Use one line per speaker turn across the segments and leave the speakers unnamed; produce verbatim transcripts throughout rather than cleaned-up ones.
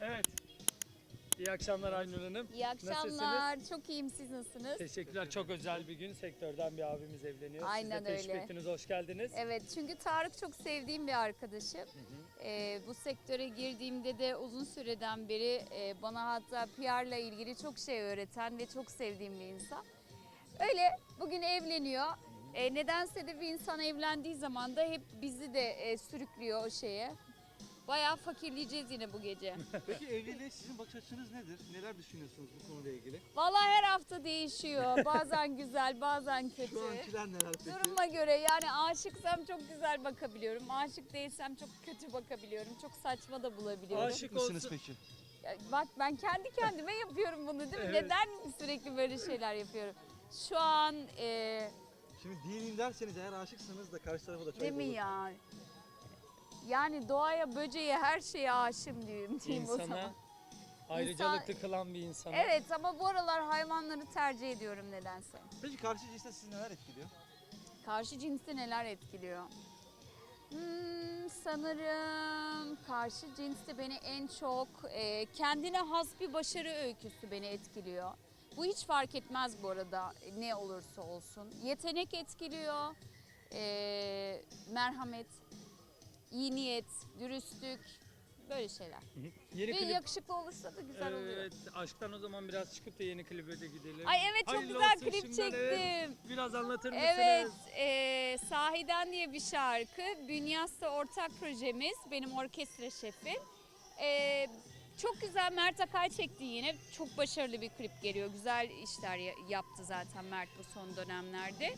Evet. İyi akşamlar Aynur Hanım.
İyi akşamlar. Çok iyiyim. Siz nasılsınız?
Teşekkürler. Çok özel bir gün. Sektörden bir abimiz evleniyor.
Aynen
Siz de teşrif
öyle.
ettiniz. Hoş geldiniz.
Evet, çünkü Tarık çok sevdiğim bir arkadaşım. Hı hı. Ee, bu sektöre girdiğimde de uzun süreden beri e, bana hatta P R'la ilgili çok şey öğreten ve çok sevdiğim bir insan. Öyle bugün evleniyor. E, nedense de bir insan evlendiği zaman da hep bizi de e, sürüklüyor o şeye. Bayağı fakirleyeceğiz yine bu gece.
Peki evliliğe sizin bakış açınız nedir? Neler düşünüyorsunuz bu konuyla ilgili?
Vallahi her hafta değişiyor. Bazen güzel, bazen kötü.
Şu ankiler neler peki?
Duruma göre, yani aşıksam çok güzel bakabiliyorum. Aşık değilsem çok kötü bakabiliyorum. Çok saçma da bulabiliyorum.
Aşık
Aşık mısınız
olsun-
peki?
Ya bak, ben kendi kendime yapıyorum bunu, değil mi?
Evet.
Neden sürekli böyle şeyler yapıyorum? Şu an e,
Şimdi değilim derseniz eğer aşıksanız da karşı tarafa da çok
değil mi
olur.
ya? Yani doğaya, böceğe, her şeye aşığım diyeyim, diyeyim o zaman.
İnsana ayrıcalıklı kılan bir insana.
Evet, ama bu aralar hayvanları tercih ediyorum nedense.
Peki karşı cinste sizi neler etkiliyor?
Karşı cinsi neler etkiliyor? Hmm, sanırım karşı cinste beni en çok e, kendine has bir başarı öyküsü beni etkiliyor. Bu hiç fark etmez bu arada, ne olursa olsun. Yetenek etkiliyor, e, merhamet, iyi niyet, dürüstlük, böyle şeyler.
Yeni
Ve
klip.
yakışıklı olursa da güzel oluyor.
Evet, aşktan o zaman biraz çıkıp da yeni klibe de gidelim.
Ay evet, çok
Hayırlı
güzel
olsun
klip
şimdiden,
çektim.
evet. Biraz anlatır mısınız?
Evet, e, Sahiden diye bir şarkı. Bünyas'ta ortak projemiz, benim orkestra şefim. E, çok güzel, Mert Akay çekti yine. Çok başarılı bir klip geliyor. Güzel işler ya- yaptı zaten Mert bu son dönemlerde.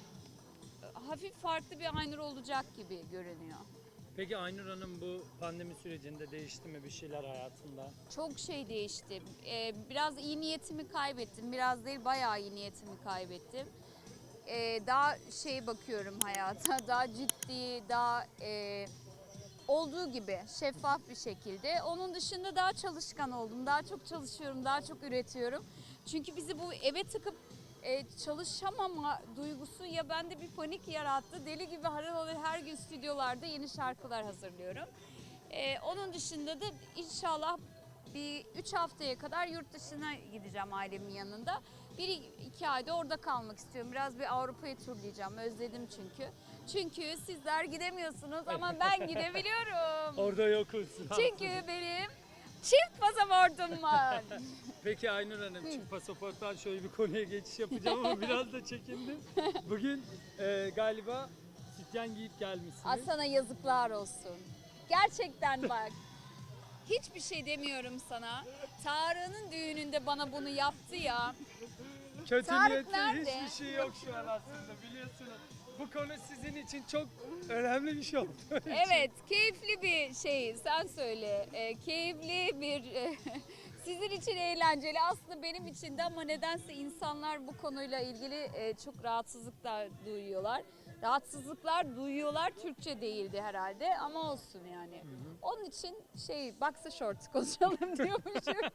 Hafif farklı bir Aynur olacak gibi görünüyor.
Peki Aynur Hanım, bu pandemi sürecinde değişti mi bir şeyler hayatında?
Çok şey değişti. Ee, biraz iyi niyetimi kaybettim. Biraz değil, bayağı iyi niyetimi kaybettim. Ee, daha şey bakıyorum hayata, daha ciddi, daha e, olduğu gibi şeffaf bir şekilde. Onun dışında daha çalışkan oldum. Daha çok çalışıyorum, daha çok üretiyorum. Çünkü bizi bu eve tıkıp e, çalışamama duygusu ya bende bir panik yarattı. Deli gibi harıl harıl her gün stüdyolarda yeni şarkılar hazırlıyorum. Ee, onun dışında da inşallah bir üç haftaya kadar yurt dışına gideceğim ailemin yanında. Bir iki ayda orada kalmak istiyorum. Biraz bir Avrupa'yı turlayacağım. Özledim çünkü. Çünkü sizler gidemiyorsunuz ama ben gidebiliyorum.
Orada yokuz.
Çünkü benim çift pasaportum var.
Peki Aynur Hanım, çift pasaporttan şöyle bir konuya geçiş yapacağım ama biraz da çekindim. Bugün e, galiba sütyen giyip gelmişsiniz.
Asana yazıklar olsun. Gerçekten bak. Hiçbir şey demiyorum sana. Tarık'ın düğününde bana bunu yaptı ya.
Kötü
Tarık
niyetli
nerede?
hiçbir şey yok şu an aslında, biliyorsunuz. Bu konu sizin için çok önemli bir şey oldu.
Evet, keyifli bir şey. Sen söyle. Ee, keyifli bir e, sizin için eğlenceli. Aslında benim için de, ama nedense insanlar bu konuyla ilgili e, çok rahatsızlıklar duyuyorlar. Rahatsızlıklar duyuyorlar. Türkçe değildi herhalde ama olsun yani. Hı hı. Onun için şey, boxer short konuşalım diyormuşum.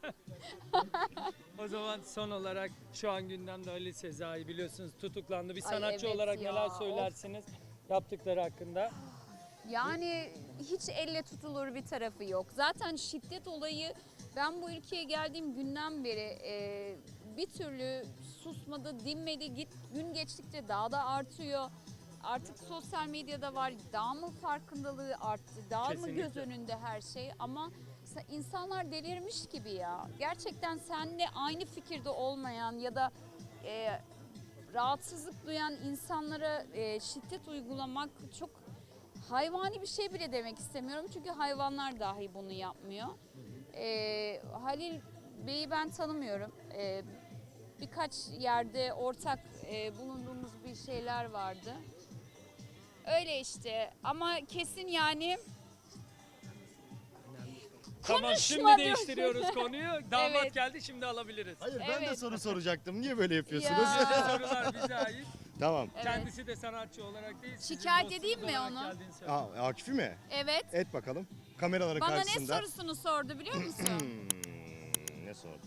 O zaman son olarak şu an gündemde Ali Sezai, biliyorsunuz, tutuklandı. Bir
Ay
sanatçı
evet
olarak
ya,
neler söylersiniz yaptıkları hakkında?
Yani hiç elle tutulur bir tarafı yok. Zaten şiddet olayı, ben bu ülkeye geldiğim günden beri e, bir türlü susmadı, dinmedi. Git, gün geçtikçe daha da artıyor. Artık sosyal medyada var, daha mı farkındalığı arttı, daha
Kesinlikle.
mı göz önünde her şey, ama sa- insanlar delirmiş gibi ya. Gerçekten seninle aynı fikirde olmayan ya da e, rahatsızlık duyan insanlara e, şiddet uygulamak çok hayvani bir şey bile demek istemiyorum. Çünkü hayvanlar dahi bunu yapmıyor. E, Halil Bey'i ben tanımıyorum. E, birkaç yerde ortak e, bulunduğumuz bir şeyler vardı. Öyle işte, ama kesin yani
Tamam, şimdi
Konuşma
değiştiriyoruz konuyu. Damat
Evet.
geldi, şimdi alabiliriz.
Hayır ben de
Evet.
soru soracaktım. Niye böyle yapıyorsunuz?
Ya.
Sorular bize ait.
Tamam.
Evet.
Kendisi de sanatçı olarak değil, sizin
Şikayet
dostunuz
edeyim mi
olarak
onu?
geldiğini söyledi.
Aa, Akif'i mi?
Evet.
Et bakalım. Kameraları
Bana ne
karşısında.
sorusunu sordu biliyor musun?
Hmm, ne sordu?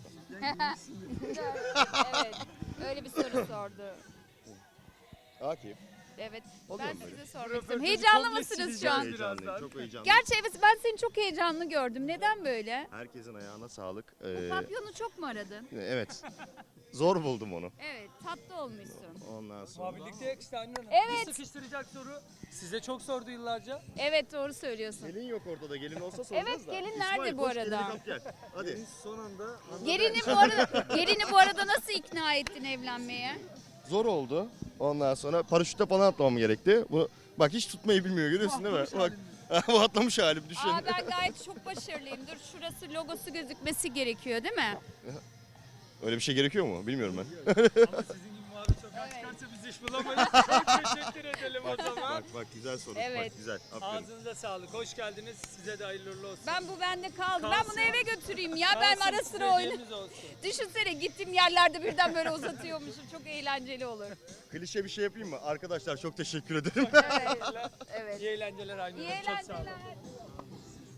Evet. Öyle bir soru sordu.
Akif.
Evet.
Oluyor
Ben
mu böyle?
size sormak
Röportajı
istiyorum. Heyecanlı
komple
mısınız şu
sileceğiz
an?
birazdan.
Heyecanlıyım, çok heyecanlıyım.
Gerçi evet ben seni çok heyecanlı gördüm. Neden böyle?
Herkesin ayağına sağlık.
Bu
Ee,
papyonu çok mu aradın?
evet. Zor buldum onu.
Evet, tatlı olmuşsun.
Ondan sonra.
Muhabirlikte yakıştı Aynur Hanım.
Evet.
Bir sıkıştıracak soru. Size çok sordu yıllarca.
Evet, doğru söylüyorsun.
Gelin yok ortada. Gelin olsa soracağız
Evet,
da.
gelin
İsmail,
nerede bu
koş,
arada?
gelini kap gel. Hadi.
Deniz son anda anladı.
Gelini bu arada gelini bu arada nasıl ikna ettin evlenmeye?
Zor oldu. Ondan sonra paraşütle falan atlamam gerekti. Bu bak hiç tutmayı bilmiyor görüyorsun değil mi? Bak bu atlamış halim düşün.
Aa ben gayet çok başarılıyım. Dur şurası logosu gözükmesi gerekiyor değil mi?
Öyle bir şey gerekiyor mu? Bilmiyorum ben.
Ama sizin gibi muhabir sokağa
Evet.
çıkarsa biz iş bulamayız. Çok teşekkür edelim o zaman.
Bak bak güzel soru.
Evet.
Bak güzel. Aferin.
Ağzınıza sağlık. Hoş geldiniz. Size de hayırlı uğurlu olsun.
Ben bu bende kaldı. Ben
Kalsın.
bunu eve götüreyim ya. Ben
Kalsın,
ara sıra oyna.
istediğimiz olsun.
Düşünsene gittiğim yerlerde birden böyle uzatıyormuşum. Çok eğlenceli olur.
Klişe bir şey yapayım mı? Arkadaşlar çok teşekkür ederim.
Evet. Evet.
İyi eğlenceler Aynur
İyi
Hanım. Çok sağ olun.
eğlenceler.